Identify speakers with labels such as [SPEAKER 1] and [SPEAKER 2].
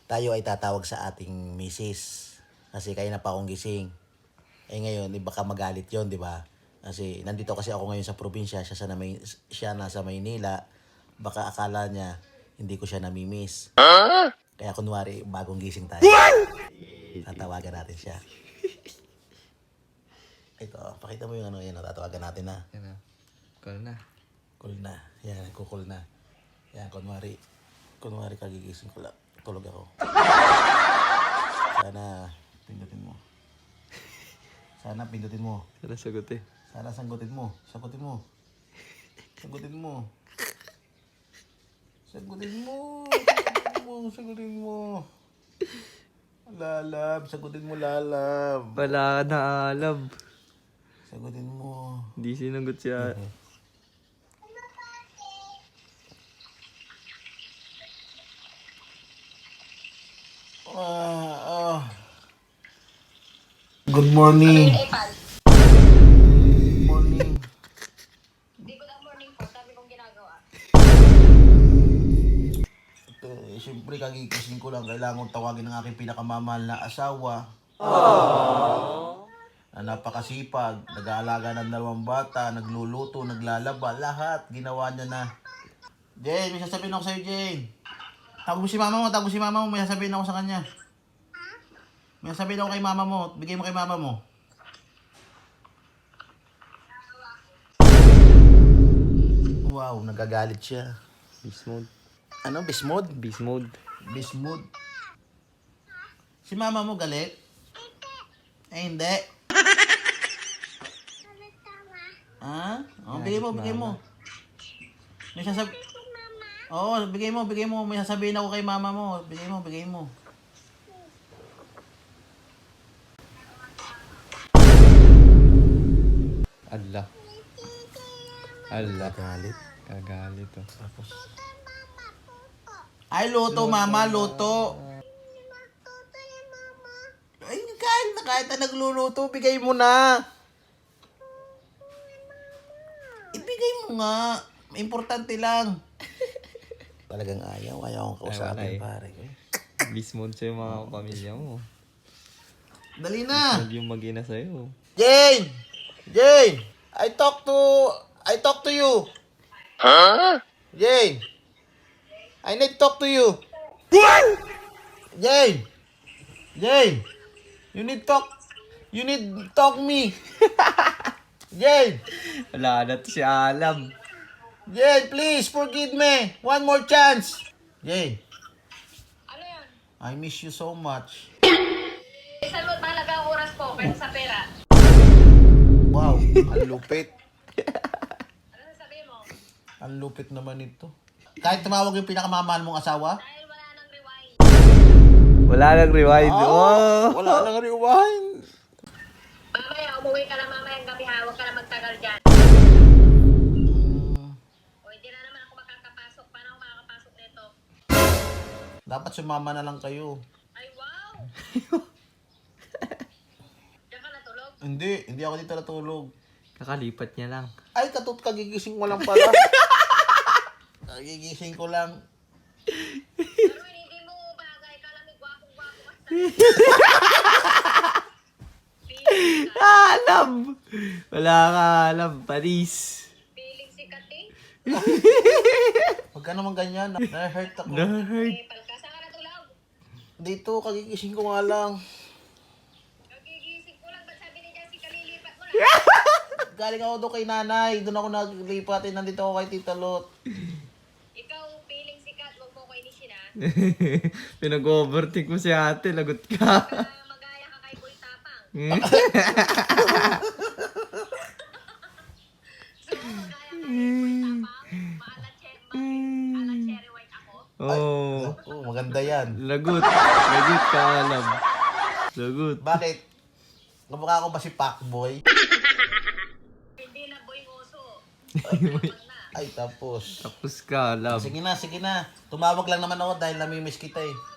[SPEAKER 1] tayo ay tatawag sa ating misis. Kasi kaya na pa akong gising. Eh ngayon, baka magalit yon, di ba? Kasi nandito kasi ako ngayon sa probinsya, siya nasa Maynila. Baka akala niya hindi ko siya namimiss. Kaya kunwari, bagong gising tayo. Tatawagan natin siya. Ito, pakita mo yung ano yan, tatawagan natin na.
[SPEAKER 2] Yan na. Call na.
[SPEAKER 1] Call na. Yan, kukul na. Yan, kunwari kagigising ko lang. Tulog ako. Sana pindutin mo. Sana pindutin mo.
[SPEAKER 2] Sana sagot eh.
[SPEAKER 1] Sana sanggutin mo. Sagutin mo. Sagutin mo. Sagutin mo. Sagutin mo. Lalab. Sagutin mo, lalab.
[SPEAKER 2] Wala ka na alam.
[SPEAKER 1] Sagutin mo.
[SPEAKER 2] Hindi sinagot siya.
[SPEAKER 1] Good morning. Good morning.
[SPEAKER 3] Di ko na morning po, sabi kong ginagawa.
[SPEAKER 1] Ito, siyempre kagigising ko lang. Kailangan tawagin ng aking pinakamamahal na asawa. Na napakasipag, nag-aalaga ng 2 bata, nagluluto, naglalaba, lahat. Ginawa niya na. Jane, may sasabihin ako sa'yo, Jane. Tawag mo si mama mo, may sasabihin ako sa kanya. May sasabihin ako kay mama mo, bigay mo kay mama mo. Wow, nagagalit siya.
[SPEAKER 2] Beast mode.
[SPEAKER 1] Ano, beast mode?
[SPEAKER 2] Beast mode.
[SPEAKER 1] Beast mode. Si mama mo galit? Eh, hindi. Ha? Oh, bigay mo. May sasabi... Oo, bigay mo. May sasabihin ako kay mama mo. Bigay mo.
[SPEAKER 2] Allah.
[SPEAKER 1] Galit.
[SPEAKER 2] Kagalit oh.
[SPEAKER 1] Tapos... Ay, luto, mama, luto. Ay, kahit na nagluluto, bigay mo na. Ibigay mo nga. Importante lang. Talagang ayaw akong kausapin,
[SPEAKER 2] Ay, wala eh.
[SPEAKER 1] pare.
[SPEAKER 2] Beast mode sa'yo mga pamilya mo.
[SPEAKER 1] Dali na.
[SPEAKER 2] Hindi yung mag-ina sa'yo.
[SPEAKER 1] Jane! I talk to you. Huh? Jane! I need to talk to you. What? Jane! You need talk me. Jane!
[SPEAKER 2] Wala na to siya alam.
[SPEAKER 1] Jane, please forgive me. One more chance. Jane,
[SPEAKER 3] Ano yan?
[SPEAKER 1] I miss you so much.
[SPEAKER 3] Saan mo talaga ang oras po kaysa sa pera?
[SPEAKER 1] Wow, ang lupit.
[SPEAKER 3] Ano sasabihin mo?
[SPEAKER 1] Ang lupit naman ito. Kahit tumawag yung pinakamamahal mong asawa?
[SPEAKER 3] Dahil wala nang rewind.
[SPEAKER 2] Wala nang rewind. Oh.
[SPEAKER 1] Wala nang rewind.
[SPEAKER 3] Mamaya, umuwi ka na mamayang gabi ha. Huwag ka na magtagal dyan. O, hindi na naman ako makakapasok. Paano ako makakapasok nito?
[SPEAKER 1] Dapat sumama na lang kayo.
[SPEAKER 3] Ay, wow! Diyan ka natulog?
[SPEAKER 1] Hindi ako dito natulog.
[SPEAKER 2] Kakalipat niya lang.
[SPEAKER 1] Ay, kagigising mo lang pala. Kagigising ko lang.
[SPEAKER 3] Pero hindi mo bagay. Kala mo gwapong-gwapo ka sa
[SPEAKER 2] Alam! Wala ka alam. Paris.
[SPEAKER 3] feeling sikat eh.
[SPEAKER 1] Huwag ka naman ganyan. Na-hurt ako.
[SPEAKER 2] Na-hurt.
[SPEAKER 3] Eh, palka. Saan ka natulog?
[SPEAKER 1] Dito, kagigising ko nga lang.
[SPEAKER 3] Nagigising ko lang. Ba't sabi ni Jessica, lilipat mo na?
[SPEAKER 1] Galing ako doon kay nanay. Doon ako naglipat. Nandito ako kay Tita Lot.
[SPEAKER 3] Ikaw, feeling sikat. Huwag mo ko inisin ha.
[SPEAKER 2] Pinag-overtake mo si ate. Lagot ka.
[SPEAKER 3] Magaya ka kay Boy Tapang. So, magaya ka kay Boy Tapang. Maalat cherry white ako.
[SPEAKER 2] Oh.
[SPEAKER 1] Oh, maganda yan.
[SPEAKER 2] Lagot. Lagot ka alam. Lagot.
[SPEAKER 1] Bakit? Kamukha ko ba si Pacboy?
[SPEAKER 3] Hindi na boy ngoso.
[SPEAKER 1] Ay, tapos.
[SPEAKER 2] Tapos ka alam.
[SPEAKER 1] Sige na. Tumawag lang naman ako dahil namimiss kita eh.